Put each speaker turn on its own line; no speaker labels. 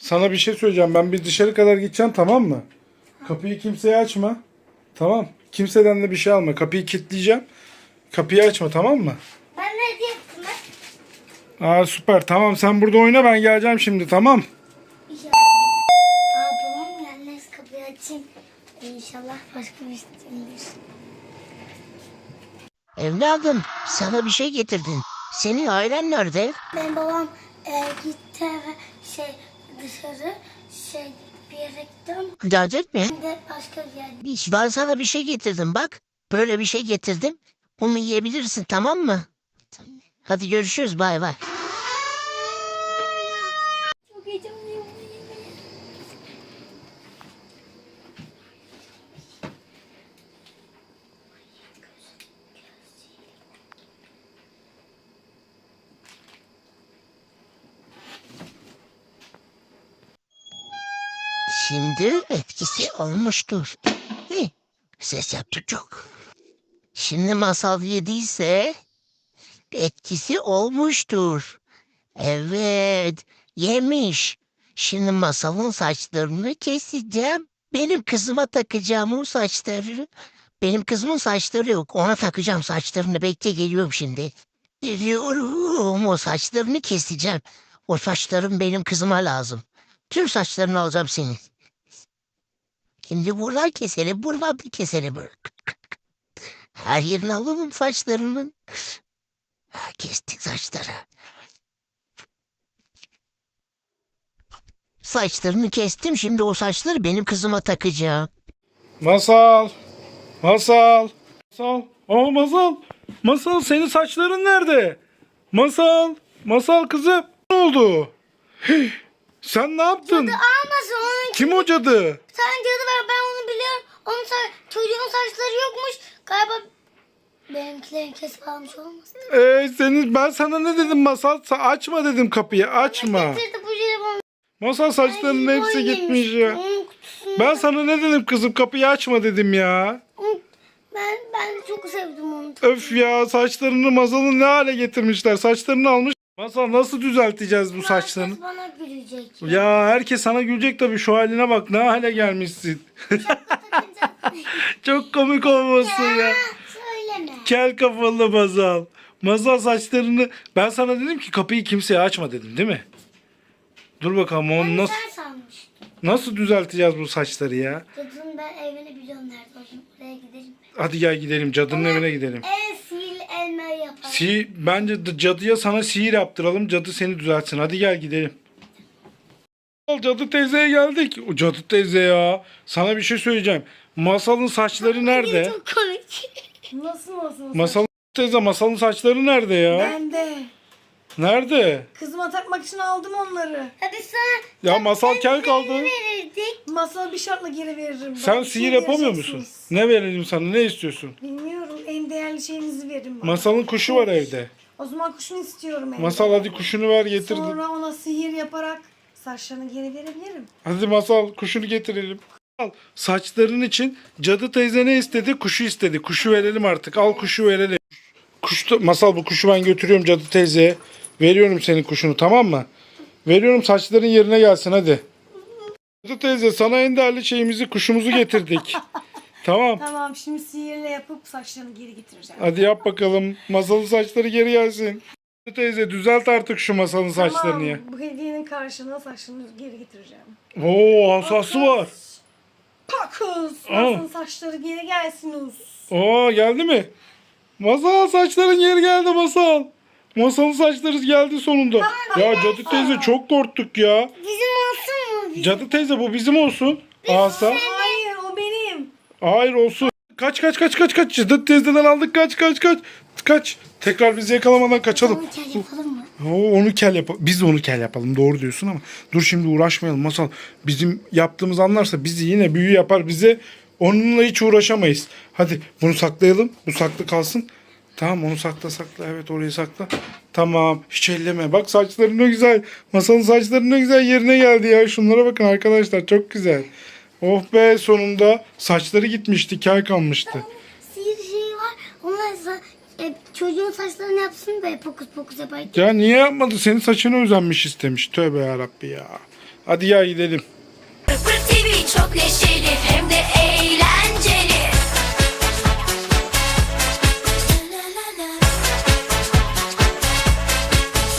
Sana bir şey söyleyeceğim. Ben bir dışarı kadar gideceğim, tamam mı? Kapıyı kimseye açma. Tamam. Kimseden de bir şey alma. Kapıyı kilitleyeceğim. Kapıyı açma, tamam mı?
Ben ne diyecektim ben?
Aa, süper. Tamam, sen burada oyna, ben geleceğim şimdi, tamam.
İnşallah. Babam gelmez, kapıyı açayım. İnşallah başka bir şey değildir.
Evladım, sana bir şey getirdim. Senin ailen nerede?
Benim babam gitti eve dışarı bir yere gittim.
Dadet mi?
Ben de başka bir yerde.
Ben sana bir şey getirdim bak. Böyle bir şey getirdim. Bunu yiyebilirsin, tamam mı? Hadi görüşürüz, bay bay.
Çok heyecanlıyım.
Şimdi etkisi olmuştur. Hi, ses yaptı çok. Şimdi masal yediyse etkisi olmuştur. Evet, yemiş. Şimdi masalın saçlarını keseceğim. Benim kızıma takacağım o saçları. Benim kızımın saçları yok. Ona takacağım saçlarını. Bekle, geliyorum şimdi. Geliyorum. O saçlarını keseceğim. O saçlarım benim kızıma lazım. Tüm saçlarını alacağım senin. Şimdi buradan keselim, buradan bir keselim. Her yerini alalım saçlarının. Ha, kestik saçları. Saçlarını kestim. Şimdi o saçları benim kızıma takacağım.
Masal. Masal. Masal. Aa, Masal. Masal, senin saçların nerede? Masal. Masal kızım. Ne oldu? Hih, sen ne yaptın?
Almasın onun.
Kim o cadı?
Sen cadı ver, ben onu biliyorum. Çocuğun saçları yokmuş. Galiba benimkilerini kesip almış olmasın.
Ben sana ne dedim Masal? Açma dedim kapıyı, açma.
Getirdi bu jelibonu.
Masal, saçlarının hepsi gitmiş ya.
Onun kutusunu.
Ben sana ne dedim kızım, kapıyı açma dedim ya.
Ben çok sevdim onu.
Öf ya, saçlarını Masal'ın ne hale getirmişler. Saçlarını almış. Masal, nasıl düzelteceğiz bu saçlarını?
Herkes bana gülecek.
Ya herkes sana gülecek tabii, şu haline bak, ne hale gelmişsin. Çok komik olmasın ya.
Söyleme.
Kel kafalı Masal. Masal, saçlarını... Ben sana dedim ki kapıyı kimseye açma dedim, değil mi? Dur bakalım onu
Ben
nasıl...
sen sanmıştım.
Nasıl düzelteceğiz bu saçları ya?
Cadının ben evini biliyorum nerede. O şimdi oraya gidelim.
Hadi gel gidelim, cadının evine gidelim.
En sihirli elmayı yapalım.
Bence cadıya sana sihir yaptıralım. Cadı seni düzeltsin. Hadi gel gidelim. Cadı teyzeye geldik. O cadı teyze ya. Sana bir şey söyleyeceğim. Masalın saçları nerede?
Çok komik.
Nasıl?
Masalın teyze, masalın saçları nerede ya?
Ben de.
Nerede?
Kızıma takmak için aldım onları.
Hadi sana
Ya masal kel kaldı.
verirdik.
Masal bir şartla geri veririm.
Sen
Bana bir
sihir
şey
yapamıyor musun?
vereceksiniz.
Ne verelim sana? Ne istiyorsun?
Bilmiyorum. En değerli şeyinizi verin bana.
Masalın kuşu var evde.
O zaman kuşunu istiyorum evde.
Masal, hadi kuşunu ver, getir.
Sonra ona sihir yaparak saçlarını geri verebilirim.
Hadi Masal, kuşunu getirelim. Al, saçların için cadı teyze ne istedi? Kuşu istedi. Kuşu verelim artık. Al, kuşu verelim. Masal, bu kuşu ben götürüyorum cadı teyzeye. Veriyorum senin kuşunu, tamam mı? Veriyorum, saçların yerine gelsin hadi. Cadı teyze, sana en değerli şeyimizi, kuşumuzu getirdik. Tamam.
Tamam, şimdi sihirle yapıp saçlarını geri getireceğim.
Hadi yap bakalım. Masalın saçları geri gelsin. Cadı teyze, düzelt artık şu masalın saçlarını ya.
Bu hediyenin karşılığında saçlarını geri getireceğim.
Oo, asası var.
Pakus!
Aa.
Masalın saçları geri gelsin us.
Oo, geldi mi? Masal, saçların geri geldi Masal. Masalın saçları geldi sonunda. Ya cadı teyze, çok korktuk ya.
Bizim olsun mu?
Cadı teyze, bu bizim olsun. Asa.
Hayır, o benim.
Hayır, olsun. Kaç. Cadı teyzeden aldık, kaç. Tekrar bizi yakalamadan kaçalım.
Onu kel yapalım mı?
Onu kel yapalım. Biz de onu kel yapalım. Doğru diyorsun ama. Dur şimdi uğraşmayalım Masal. Bizim yaptığımız anlarsa bizi yine büyü yapar bize. Onunla hiç uğraşamayız. Hadi bunu saklayalım. Bu saklı kalsın. Tamam, onu sakla. Evet, orayı sakla. Tamam, hiç elleme. Bak, saçları ne güzel. Masalın saçları ne güzel yerine geldi ya. Şunlara bakın arkadaşlar, çok güzel. Oh be, sonunda saçları gitmişti. Kel kalmıştı.
Sihir şeyi var. Onlar çocuğun saçlarını yapsın böyle pokus pokus yapar.
Ya niye yapmadı? Senin saçını özenmiş istemiş. Tövbe yarabbi ya. Hadi ya gidelim.